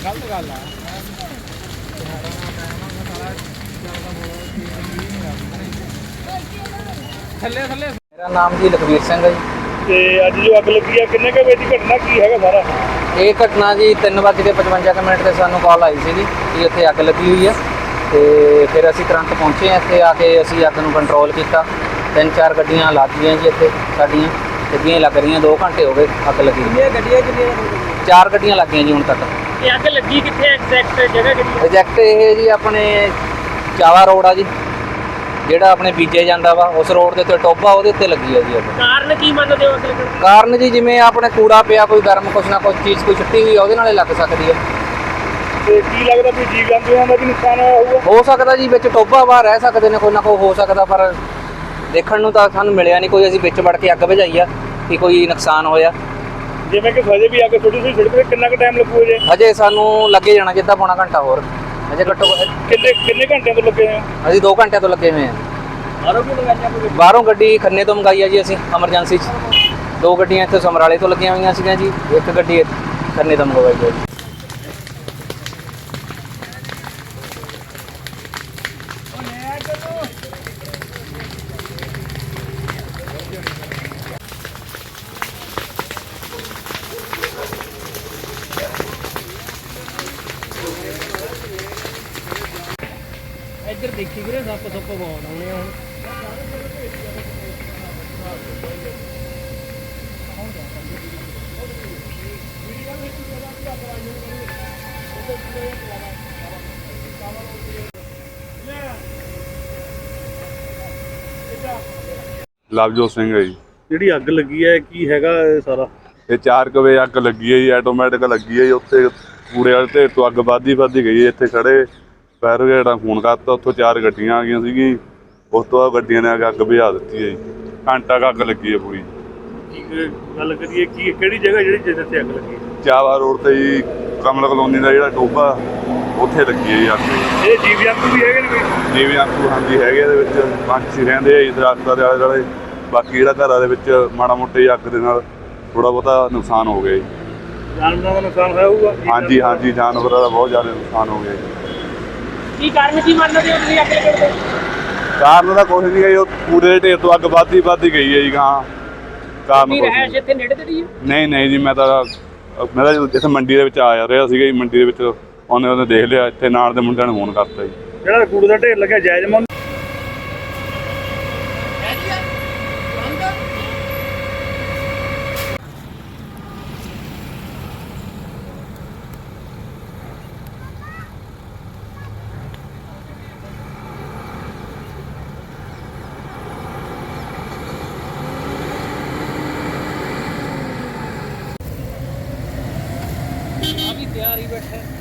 ਗਲਤ ਗੱਲ ਆ। ਥੱਲੇ ਥੱਲੇ। ਮੇਰਾ ਨਾਮ ਜੀ ਲਖਵੀਰ ਸਿੰਘ ਹੈ ਜੀ। ਤੇ ਅੱਜ ਜੋ ਅੱਗ ਲੱਗੀ ਆ ਕਿੰਨੇ ਕੁ ਵਜੇ ਦੀ ਘਟਨਾ ਕੀ ਹੈਗਾ ਸਾਰਾ? ਇਹ ਘਟਨਾ ਜੀ 3:55 ਤੇ ਸਾਨੂੰ ਕਾਲ ਆਈ ਸੀਗੀ ਕਿ ਇੱਥੇ ਅੱਗ ਲੱਗੀ ਹੋਈ ਹੈ ਤੇ ਫਿਰ ਅਸੀਂ ਤੁਰੰਤ ਪਹੁੰਚੇ ਹਾਂ। ਇੱਥੇ ਆ ਕੇ ਅਸੀਂ ਅੱਗ ਨੂੰ ਕੰਟਰੋਲ ਕੀਤਾ। 3-4 ਗੱਡੀਆਂ ਲੱਗ ਗਈਆਂ ਜੀ ਇੱਥੇ ਸਾਡੀਆਂ ਲੱਗੀਆਂ ਲੱਗ ਰਹੀਆਂ। 2 ਘੰਟੇ ਹੋ ਗਏ ਅੱਗ ਲੱਗੀ। ਕਿੰਨੀਆਂ ਗੱਡੀਆਂ 4 ਗੱਡੀਆਂ ਲੱਗ ਗਈਆਂ ਜੀ ਹੁਣ ਤੱਕ। ਇਹ ਅੱਗ ਲੱਗੀ ਕਿੱਥੇ ਐਗਜ਼ੈਕਟ ਜਗ੍ਹਾ ਕਿਹੜੀ? ਪ੍ਰੋਜੈਕਟ ਇਹ ਜੀ ਆਪਣੇ ਚਾਵਾ ਰੋਡ ਆ ਜੀ, ਜਿਹੜਾ ਆਪਣੇ ਬੀਜੇ ਜਾਂਦਾ ਵਾ ਉਸ ਰੋਡ ਦੇ ਉੱਤੇ ਟੋਭਾ, ਉਹਦੇ ਉੱਤੇ ਲੱਗੀ ਆ ਜੀ ਅੱਗ। ਕਾਰਨ ਕੀ ਮੰਨਦੇ ਹੋ ਅੱਗ ਲੱਗਣ ਦਾ? ਕਾਰਨ ਜੀ ਜਿਵੇਂ ਆਪਣੇ ਕੂੜਾ ਪਿਆ, ਕੋਈ ਗਰਮ ਕੁਛ ਨਾ ਕੁਛ ਚੀਜ਼ ਕੋਈ ਛੁੱਟੀ ਹੋਈ ਆ, ਉਹਦੇ ਨਾਲੇ ਲੱਗ ਸਕਦੀ ਹੈ। ਤੇ ਕੀ ਲੱਗਦਾ ਵੀ ਜੀਵ ਜੰਤੂਆਂ ਦਾ ਵੀ ਨੁਕਸਾਨ ਹੋਇਆ ਹੋਊਗਾ? ਹੋ ਸਕਦਾ ਜੀ, ਵਿੱਚ ਟੋਭਾ ਵਾ ਰਹਿ ਸਕਦੇ ਨੇ, ਕੋਈ ਨਾ ਕੋਈ ਹੋ ਸਕਦਾ, ਪਰ ਦੇਖਣ ਨੂੰ ਤਾਂ ਸਾਨੂੰ ਮਿਲਿਆ ਨਹੀਂ ਕੋਈ। ਅਸੀਂ ਵਿੱਚ ਵੜ ਕੇ ਅੱਗ ਬੁਝਾਈ ਆ ਕਿ ਕੋਈ ਨੁਕਸਾਨ ਹੋਇਆ। ਜਿਵੇਂ ਕਿ ਹਜੇ ਵੀ ਅੱਗ ਛੋਟੀ ਸੜਕ ਤੇ ਕਿੰਨਾ ਕੁ ਟਾਈਮ ਲੱਗੂ ਜੇ? ਹਜੇ ਸਾਨੂੰ ਲੱਗੇ ਜਾਣਾ ਜਿੱਦਾਂ ਪੌਣਾ ਘੰਟਾ ਹੋਰ। ਹਜੇ ਘੱਟੋ ਕਿੰਨੇ ਘੰਟਿਆਂ ਤੋਂ ਲੱਗੇ ਆ? ਅਸੀਂ 2 ਘੰਟਿਆਂ ਤੋਂ ਲੱਗੇ ਹੋਏ ਹਾਂ। ਬਾਹਰੋਂ ਕਿਉਂ ਲਗਾਈਆਂ ਕੋਈ? ਬਾਹਰੋਂ ਗੱਡੀ ਖੰਨੇ ਤੋਂ ਮੰਗਾਈ ਆ ਜੀ ਅਸੀਂ ਐਮਰਜੈਂਸੀ 'ਚ। 2 ਗੱਡੀਆਂ ਇੱਥੇ ਸਮਰਾਲੇ ਤੋਂ ਲੱਗੀਆਂ ਹੋਈਆਂ ਸੀਗੀਆਂ ਜੀ, 1 ਗੱਡੀ ਖੰਨੇ ਤੋਂ ਮੰਗਵਾਈ ਗਈ। ਇੱਧਰ ਦੇਖੀ ਵੀਰੇ ਸੱਪ ਬਹੁਤ ਆਉਣੇ ਆ ਹੁਣ। ਲਵਜੋਤ ਸਿੰਘ ਹੈ ਜੀ। ਜਿਹੜੀ ਅੱਗ ਲੱਗੀ ਹੈ ਕੀ ਹੈਗਾ ਇਹ ਸਾਰਾ? ਇਹ 4 ਵਜੇ ਅੱਗ ਲੱਗੀ ਹੈ ਜੀ, ਆਟੋਮੈਟਿਕ ਲੱਗੀ ਹੈ ਜੀ। ਉੱਥੇ ਕੂੜੇ ਵਾਲੇ ਢੇਰ ਤੋਂ ਅੱਗ ਵੱਧਦੀ ਗਈ ਹੈ। ਇੱਥੇ ਖੜੇ ਫਾਇਰ ਬ੍ਰਿਗੇਡ ਨਾਲ ਫੋਨ ਕਰਤਾ, ਉੱਥੋਂ 4 ਗੱਡੀਆਂ ਆ ਗਈਆਂ ਸੀਗੀ। ਉਸ ਤੋਂ ਬਾਅਦ ਗੱਡੀਆਂ ਨੇ ਆ ਕੇ ਅੱਗ ਬੁਝਾ ਦਿੱਤੀ ਹੈ ਜੀ। ਘੰਟਾ ਕੁ ਅੱਗ ਲੱਗੀ ਹੈ ਪੂਰੀ। ਕੀ ਗੱਲ ਕਰੀਏ ਕੀ ਕਿਹੜੀ ਜਗ੍ਹਾ ਜਿਹੜੀ ਜਿੱਥੇ ਅੱਗ ਲੱਗੀ? ਚਾਵਾ ਰੋਡ ਤੇ ਜੀ, ਕਮਲ ਕਲੋਨੀ ਦਾ ਜਿਹੜਾ ਟੋਭਾ, ਉੱਥੇ ਲੱਗੀ ਹੈ ਜੀ ਅੱਗ। ਇਹ ਜੀਵ ਜੰਤੂ ਵੀ ਹੈਗੇ ਨੇ ਕੋਈ? ਜਿਵੇਂ ਆਂਕੂ ਹਾਂਜੀ ਹੈਗੇ, ਇਹਦੇ ਵਿੱਚ ਪੰਛੀ ਰਹਿੰਦੇ ਆ ਜੀ ਦਰਖਤਾਂ ਦੇ ਆਲੇ ਦੁਆਲੇ। ਬਾਕੀ ਜਿਹੜਾ ਘਰਾਂ ਦੇ ਵਿੱਚ ਮਾੜਾ ਮੋਟਾ ਹੀ ਅੱਗ ਦੇ ਨਾਲ ਥੋੜ੍ਹਾ ਬਹੁਤਾ ਨੁਕਸਾਨ ਹੋ ਗਿਆ ਜੀ। ਜਾਨਵਰਾਂ ਦਾ ਨੁਕਸਾਨ ਹੋਇਆ ਹੋਊਗਾ? ਹਾਂਜੀ ਹਾਂਜੀ, ਜਾਨਵਰਾਂ ਦਾ ਬਹੁਤ ਜ਼ਿਆਦਾ ਨੁਕਸਾਨ ਹੋ ਗਿਆ ਜੀ। ਕੀ ਕਾਰਨ ਕੀ ਮੰਨਦੇ ਹੋ ਤੁਸੀਂ ਅੱਗ ਲੱਗਣ ਦੇ? ਕਾਰਨ ਦਾ ਕੁਛ ਨਹੀਂ ਹੈ ਜੀ, ਉਹ ਕੂੜੇ ਦੇ ਢੇਰ ਤੋਂ ਅੱਗ ਵੱਧਦੀ ਗਈ ਹੈ ਜੀ। ਗਾਂ ਕਾਰਨ ਕੀ ਕੁਛ ਰਹਿਸ਼ ਨਹੀਂ। ਇੱਥੇ ਨੇੜੇ ਤੇੜੀ ਹੈ? ਨਹੀਂ ਜੀ, ਮੈਂ ਤਾਂ ਇੱਥੇ ਮੰਡੀ ਦੇ ਵਿੱਚ ਆ ਰਿਹਾ ਸੀਗਾ ਜੀ। ਮੰਡੀ ਦੇ ਵਿੱਚ ਉਹਨੇ ਦੇਖ ਲਿਆ, ਇੱਥੇ ਨਾਲ ਦੇ ਮੁੰਡਿਆਂ ਨੂੰ ਫੋਨ ਕਰਤਾ ਜੀ। ਜਿਹੜਾ ਕੂੜੇ ਦਾ ਢੇਰ ਲੱਗਿਆ ਜਾਇਜ਼ ਮੰਨ? ਆ ਵੀ ਤਿਆਰ ਹੀ ਬੈਠਾ।